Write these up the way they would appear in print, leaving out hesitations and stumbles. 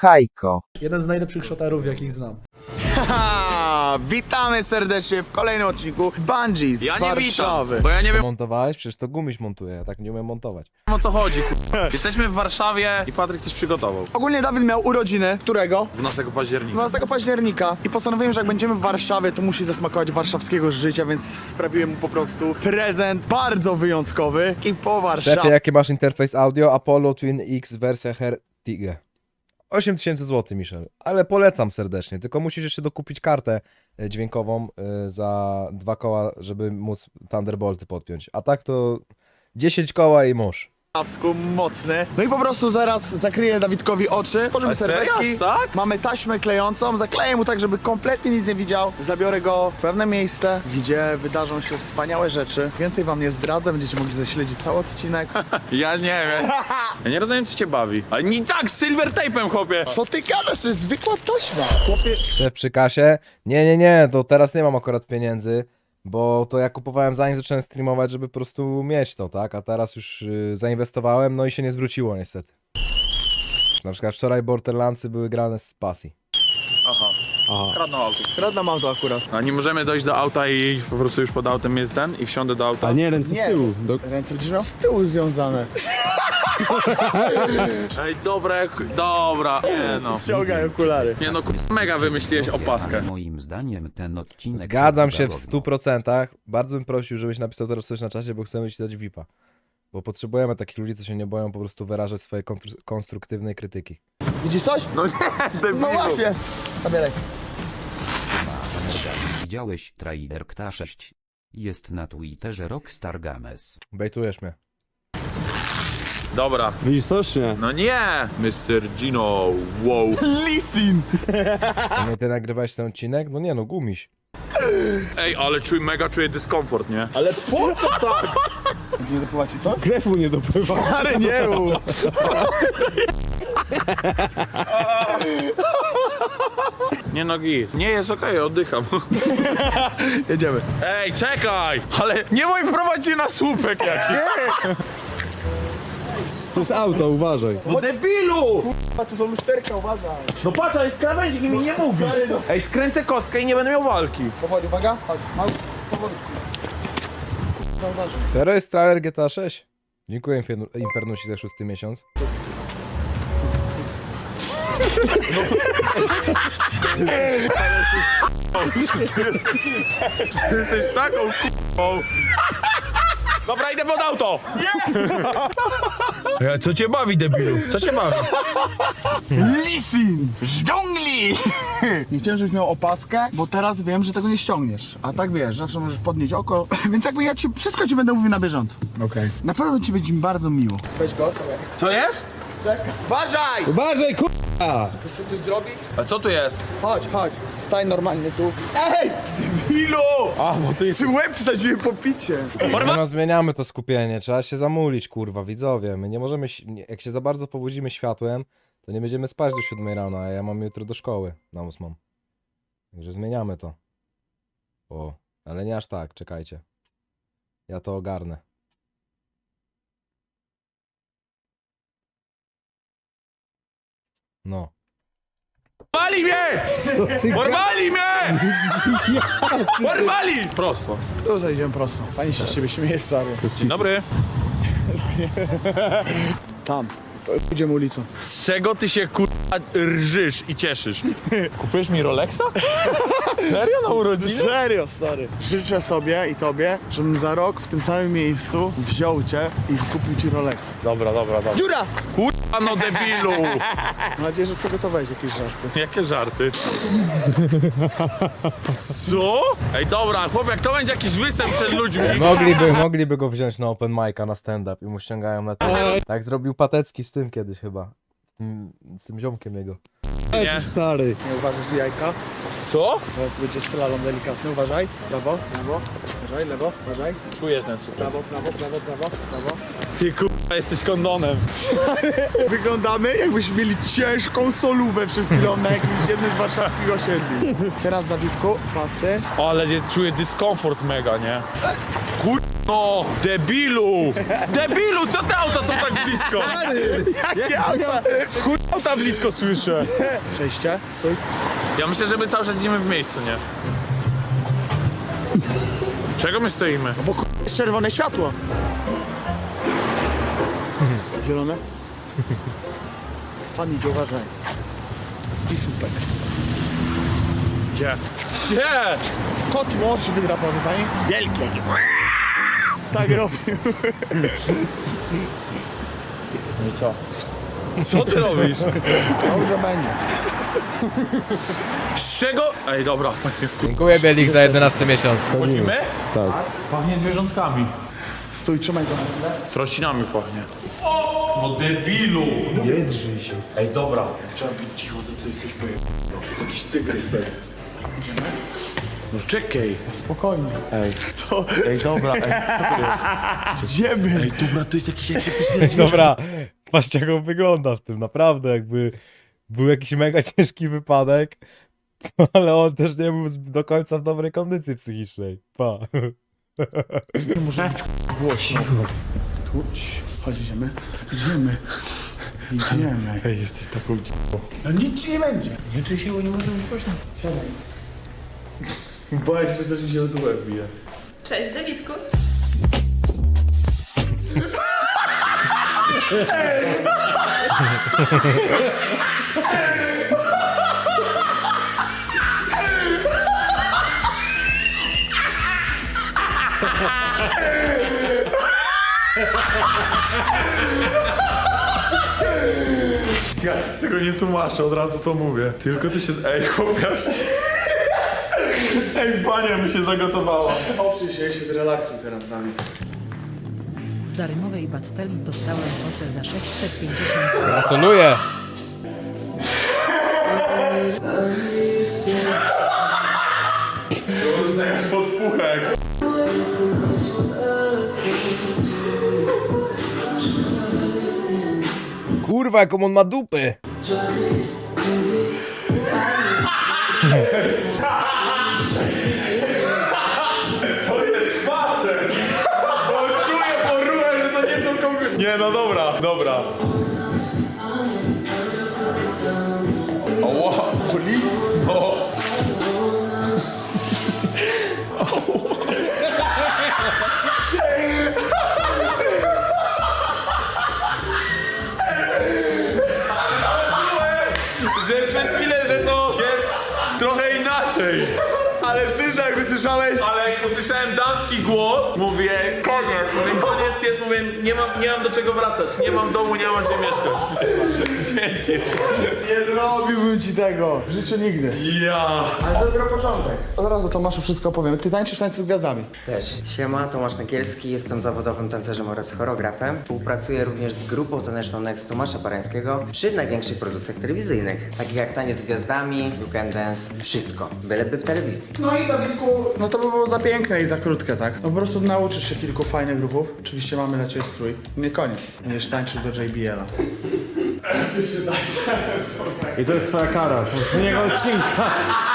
Hajko. Jeden z najlepszych szotarów, jakich znam. Haha, witamy serdecznie w kolejnym odcinku Bungie z Ja nie Warszawy. witam, bo ja nie wiem Montowałeś? Przecież to Gumiś montuje, ja tak nie umiem montować. o co chodzi, Jesteśmy w Warszawie i Patryk coś przygotował. Ogólnie Dawid miał urodziny, którego? 12 października. 12 października i postanowiłem, że jak będziemy w Warszawie, to musi zasmakować warszawskiego życia, więc sprawiłem mu po prostu prezent bardzo wyjątkowy i po Szefie, Warszawie. jaki masz interfejs audio? Apollo Twin X wersja Hertige. 8000 zł, Michel, ale polecam serdecznie, tylko musisz jeszcze dokupić kartę dźwiękową za 2 koła, żeby móc Thunderbolty podpiąć, a tak to 10 koła i mórz. Mocny. No i po prostu zaraz zakryję Dawidkowi oczy, położymy serio? serwetki, Tak? mamy taśmę klejącą, zakleję mu tak, żeby kompletnie nic nie widział, zabiorę go w pewne miejsce, gdzie wydarzą się wspaniałe rzeczy. Więcej wam nie zdradzę, będziecie mogli zaśledzić cały odcinek. Ja nie wiem. Ja nie rozumiem, co cię bawi. Ale nie tak, z silver tape'em, chłopie. Co ty gadasz? To jest zwykła taśma. Chłopie, Szef przy kasie? Nie, to teraz nie mam akurat pieniędzy, bo to ja kupowałem zanim zacząłem streamować, żeby po prostu mieć to, tak? A teraz już zainwestowałem, no i się nie zwróciło niestety. Na przykład wczoraj Borderlandsy były grane z pasji. Aha. Kradną auto. radna mam to akurat. A nie możemy dojść do auta i po prostu już pod autem jest ten i wsiądę do auta? A nie, ręce Nie. z tyłu. Ręce gdzieś miał z tyłu związane. Ej, dobra. Nie no. Ściągaj okulary. Nie no, mega wymyśliłeś opaskę. Moim zdaniem ten odcinek... Zgadzam się w wyglądał 100%. Bardzo bym prosił, żebyś napisał teraz coś na czacie, bo chcemy ci dać VIP-a. Bo potrzebujemy takich ludzi, co się nie boją po prostu wyrażać swojej konstruktywnej krytyki. Widzisz coś? No nie, debilu. No właśnie. Zabieraj. Widziałeś trailer KTA 6? Jest na Twitterze Rockstar Games. Bejtujesz mnie. Dobra. Widzisz coś, nie? No nie, Mr. Gino, wow. Lisin! A nie ty nagrywałeś ten odcinek? No nie no, Gumiś. Ej, ale czuję dyskomfort, nie? Ale po co tak? Nie dopływa ci co? Krew mu nie dopływa. Ale nie rób. Nie nogi. Nie, jest okej, oddycham. Jedziemy. Ej, czekaj! Ale nie mój prowadzi na słupek jakiś. To jest auto, uważaj. No debilu! A tu są lusterka, uważaj. No patrz, ale z krawędzi mi nie mówi. Ej, skręcę kostkę i nie będę miał walki. Powoli, uwaga. Chodź, mały, powoli. No uważaj. Serio jest trailer GTA 6? Dziękuję Infernusi za 6. miesiąc. Ty jesteś taką k***ą. Dobra, idę pod auto! Nie! Co cię bawi, debilu? Co cię bawi? Lisin! Z dżungli! Nie chciałem, żebyś miał opaskę, bo teraz wiem, że tego nie ściągniesz. A tak wiesz, zawsze możesz podnieść oko. Więc jakby ja wszystko ci będę mówił na bieżąco. Okej. Na pewno ci będzie mi bardzo miło. Weź go, czekaj. Co jest? Czekaj. Uważaj! Uważaj, k***a! Chcesz coś zrobić? A co tu jest? Chodź, chodź. Stań normalnie tu. Ej! Debilu! A, bo ty Ty łeb wsadziłem po picie. No zmieniamy to skupienie, trzeba się zamulić, kurwa, widzowie. My nie możemy, jak się za bardzo pobudzimy światłem, to nie będziemy spać do 7 rano, a ja mam jutro do szkoły na 8. Także zmieniamy to. O, ale nie aż tak, czekajcie. Ja to ogarnę. No. Porwali mnie! Porwali mnie! Porwali! Prosto. Tu zejdziemy prosto. Pani się z ciebie śmieje, stary. Dzień dobry. Tam. Idziemy ulicą. Z czego ty się kurwa rżysz i cieszysz? Kupujesz mi Rolexa? Serio na urodziny? Serio, stary. Życzę sobie i tobie, żebym za rok w tym samym miejscu wziął cię i kupił ci Rolex. Dobra. Dziura! Kurwa no debilu! Mam nadzieję, że przygotowałeś jakieś żarty. Jakie żarty? Co? Ej dobra, chłop, jak to będzie jakiś występ przed ludźmi. Mogliby go wziąć na open mic'a, na stand-up i mu ściągają na Tak zrobił Patecki z tym kiedyś chyba. Z tym ziomkiem jego. Nie. Stary. Nie uważasz tu jajka. Co? Teraz będzie slalom delikatny. Uważaj. Prawo, prawo. Uważaj, lewo, uważaj. Czuję ten super. Prawo, prawo, prawo, prawo, prawo. Ty kurwa jesteś kondonem. Wyglądamy, jakbyśmy mieli ciężką solówę przez chwilę na jakimś jednym z warszawskich osiedli. Teraz, Dawidku, pasy. Ale czuję dyskomfort mega, nie? Kurwa No, debilu! Debilu, co te auta są tak blisko? Jakie auta? Chuj, auta blisko słyszę. Przejście, stój. Ja myślę, że my cały czas idziemy w miejscu, nie? Czego my stoimy? Bo jest czerwone światło. Zielone? Pan idzie, uważaj. I słupek. Gdzie? Gdzie? Kot młodszy wydrapany, pani? Wielkie. Tak robił. No i co? Co ty robisz? Dobrze będzie. Z czego? Ej, dobra, tak nie Dziękuję Bielik za 11 miesiąc. wchodzimy? Tak. Pachnie zwierzątkami. Stój, trzymaj go. Trocinami pachnie. No debilu! Nie drżyj się. Ej, dobra. Trzeba być cicho, to jest coś pojemnego. To jest jakiś tygrys bez. No czekaj. Spokojnie. Ej. Co? Ej, dobra, ej, co to jest? Idziemy. Ej, dobra, to jest jakiś egzotyczny zwierzę. Dobra, patrzcie jak on wygląda w tym, naprawdę jakby był jakiś mega ciężki wypadek, ale on też nie był do końca w dobrej kondycji psychicznej. Pa. Może być głośno. Tu, chodź, idziemy. Idziemy. Idziemy. Ej, jesteś taką No nic ci nie będzie. Nie czuj się, bo nie można być głośno. Siadaj. Boję się, że coś mi się od łeb bije. Cześć, Dawidku. Ja się z tego nie tłumaczę, od razu to mówię. Tylko ty się... Ej, chłopiasz. Ej, bania mi się zagotowała. Oprzyj się zrelaksuj teraz, Dawid. Z darmowej batteli dostałem kosę za 650. Gratuluję. Zamiast podpuchek. Kurwa, jaką on ma dupy. To jest facet! Bo czuję po ruchach, że to nie są kobiety. Nie, no dobra, dobra. O, wow. Kuli? O. Że przez chwilę, że to jest trochę inaczej. Ale przyznaj, jakby słyszałeś. Ale jak usłyszałem damski głos, mówię koniec, jest, mówię nie mam do czego wracać, nie mam domu, nie mam gdzie mieszkać. Dzięki. Nie zrobiłbym ci tego. W życiu nigdy. Ja. Ale dopiero początek. Od razu Tomaszu wszystko opowiem. Ty tańczysz tańce z gwiazdami. Też. Siema, Tomasz Nagielski, jestem zawodowym tancerzem oraz choreografem. Współpracuję również z grupą taneczną Next Tomasza Parańskiego przy największych produkcjach telewizyjnych, takich jak Taniec z Gwiazdami, You Can Dance, wszystko, byleby w telewizji. No i Dawidku, no to by było za piękne i za krótkie, tak? No po prostu nauczysz się kilku fajnych grupów. Oczywiście mamy dla ciebie strój. Nie koniec. Będziesz tańczył do JBL-a. I to jest twoja kara, z poprzedniego odcinka.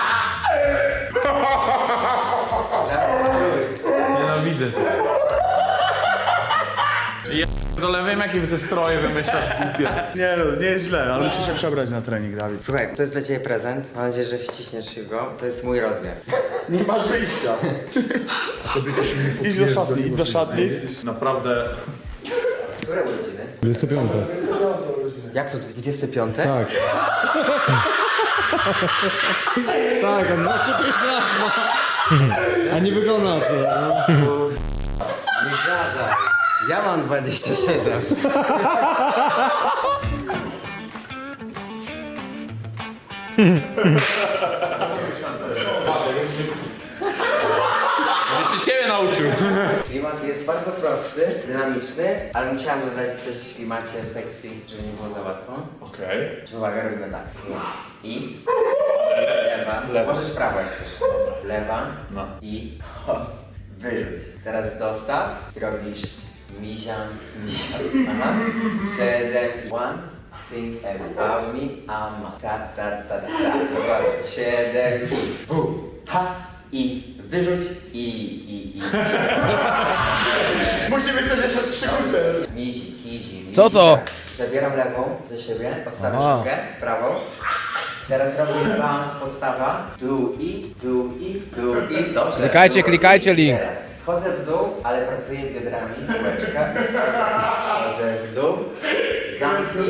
Nienawidzę. Ja dole wiem jakie wy te stroje wymyślasz głupie. Nie no, nie jest źle, ale musisz się przebrać na trening, Dawid. Słuchaj, to jest dla ciebie prezent, mam nadzieję, że wciśniesz się go, to jest mój rozmiar. Nie masz wyjścia. Idź do szatni, idź do szatni. Naprawdę. Które urodziny? 25. Jak to, 25? Tak. Tak, a 25 lat ma. A nie wygląda na to. Nie gadaj. Ja mam 27. Jeszcze ciebie nauczył. Klimat jest bardzo prosty, dynamiczny, ale musiałam dodać coś w klimacie sexy, żeby nie było za łatwo. Okej. Uwaga, robimy tak. I lewa. Możesz prawo jak chcesz. Lewa i wyrzuć. Teraz dostaw i robisz mizia. Aha. 7, 1. Think about me, ama. Ta. Dokładnie. 7, ha. i wyrzuć i. Musimy też jeszcze z przykutę. Mizi. Co to? Zabieram lewą do siebie, odstawiam Aha. sztukę, prawą. Teraz robię balans podstawa. Dół i. Dobrze. Klikajcie link. Teraz schodzę w dół, ale pracuję biodrami. Łeczka. Schodzę w dół. Zamknij.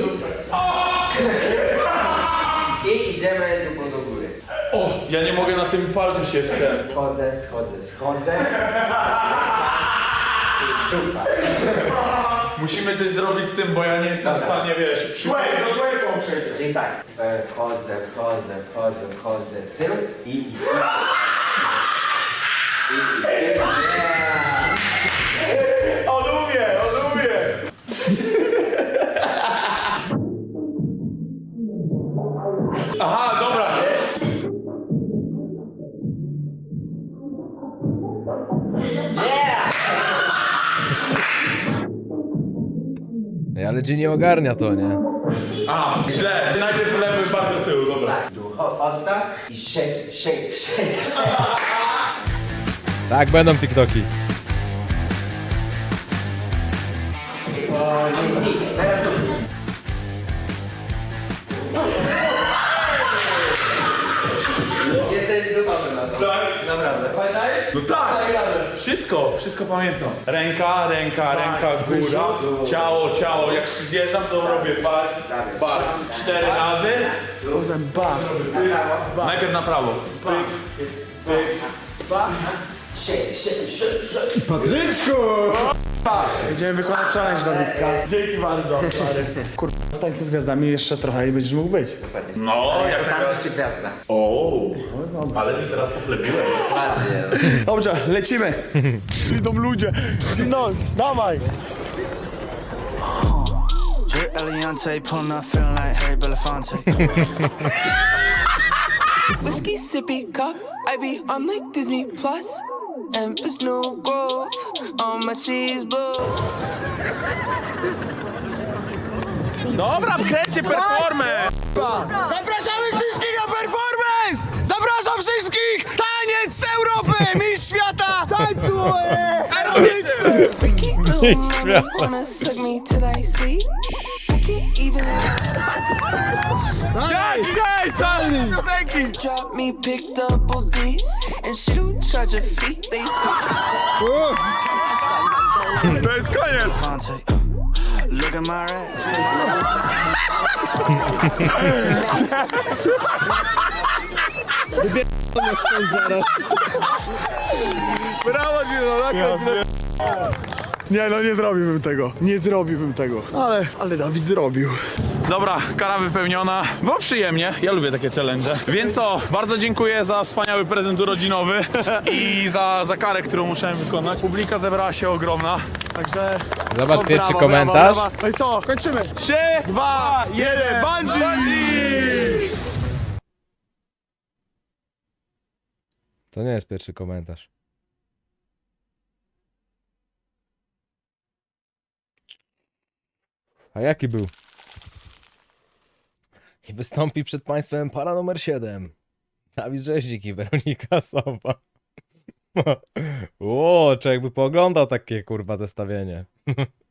I idziemy dupą do góry. O, ja nie mogę na tym palcu się w ten. Schodzę. I dupa. Musimy coś zrobić z tym, bo ja nie jestem w stanie, wiesz, przy... Czyli tak, wchodzę, w tył i. On umie! Aha, dobra. Ale G nie ogarnia to, nie? A, źle. Najpierw lewy, bardzo z tyłu, dobra. Dół, odstaw i shake. Tak, będą TikToki. Teraz dół. Jesteś dupawy na to. Tak? Naprawdę. Pamiętajesz? No tak! Wszystko pamiętam. Ręka, góra, ciało. Jak zjeżdżam, to robię bar. 4 razy. Potem bam. Najpierw na prawo. Shake. Patryczku! Będziemy wykonać challenge Dawidka. Dzięki bardzo. Kurwa, w tańcu z gwiazdami jeszcze trochę i będziesz mógł być. No, jak Tancerz czy gwiazda? O, ale mi teraz pochlebiłeś. Ładnie. Dobrze, lecimy. Idą ludzie. No, dawaj. Drip Eliante, pulling up, feeling like Harry Belafonte. Whiskey sippy cup, I be on like Disney Plus. Empress New Grove, on my cheese blue. Dobra, kręcie performę! Zapraszamy wszystkich na performance! Zapraszam wszystkich! Taniec z Europy! Mistrz świata! Tańcu! Freaky little mommy wanna suck me till I sleep. I can't even drop me, pick double D's, and she don't charge a fee. They To jest koniec! Look at my ass. Brawo, Gino! Nie, no nie zrobiłbym tego. Nie zrobiłbym tego. Ale Dawid zrobił. Dobra, kara wypełniona. Było przyjemnie, ja lubię takie challenge. Więc co, bardzo dziękuję za wspaniały prezent urodzinowy i za karę, którą musiałem wykonać. Publika zebrała się ogromna. Także Zobacz pierwszy Brawo, komentarz. brawo, brawo. No i co? Kończymy. 3, 2, 1, bungee! To nie jest pierwszy komentarz. A jaki był? I wystąpi przed państwem para numer 7. Dawid Rzeźnik i Weronika Sowa. O, czy jakby pooglądał takie kurwa zestawienie.